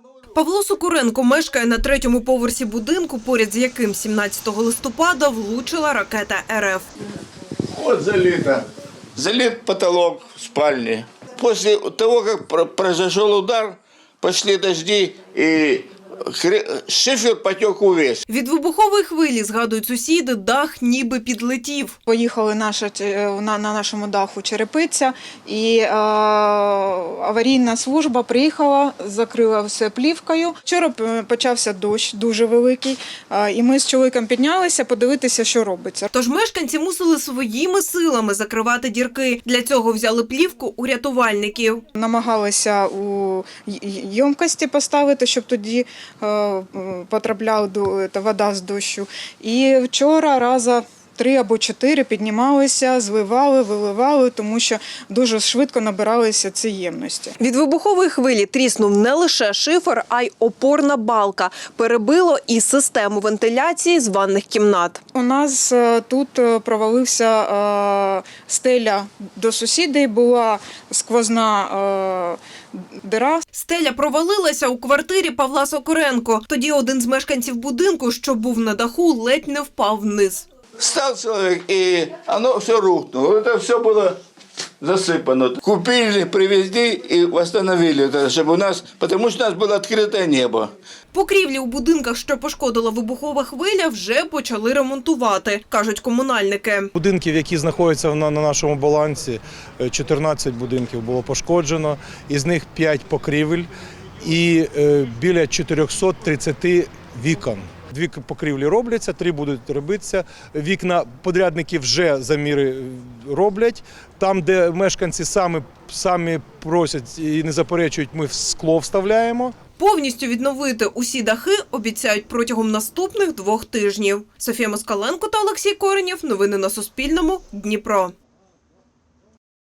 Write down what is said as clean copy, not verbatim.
Павло Сокуренко мешкає на 3-му поверсі будинку, поряд з яким 17 листопада влучила ракета РФ. Вот залито. Залит потолок в спальне. После того, как произошел удар, пошли дожди и шифер потек увесь. Від вибухової хвилі, згадують сусіди, дах ніби підлетів. Поїхали на нашому даху черепиця, і аварійна служба приїхала, закрила все плівкою. Вчора почався дощ дуже великий, і ми з чоловіком піднялися подивитися, що робиться. Тож мешканці мусили своїми силами закривати дірки. Для цього взяли плівку у рятувальників. Намагалися у ємкості поставити, щоб тоді потрапляла вода з дощу. І вчора раза 3 або 4 піднімалися, зливали, виливали, тому що дуже швидко набиралися ці ємності. Від вибухової хвилі тріснув не лише шифер, а й опорна балка. Перебило і систему вентиляції з ванних кімнат. У нас тут провалився стеля до сусідей, була сквозна дира. Стеля провалилася у квартирі Павла Сокуренко. Тоді один з мешканців будинку, що був на даху, ледь не впав вниз. Стал человек, и оно все рухнуло. Это все было засыпано. Купили, привезли и восстановили это, чтобы у нас, потому что у нас было открытое небо. Покрівлі у будинках, що пошкодила вибухова хвиля, вже почали ремонтувати, кажуть комунальники. Будинків, які знаходяться на нашому балансі, 14 будинків було пошкоджено, із них 5 покрівель і біля 430 вікон. 2 покрівлі робляться, 3 будуть робитися. Вікна подрядники вже заміри роблять. Там, де мешканці самі просять і не заперечують, ми скло вставляємо. Повністю відновити усі дахи обіцяють протягом наступних 2 тижнів. Софія Москаленко та Олексій Коренєв. Новини на Суспільному. Дніпро.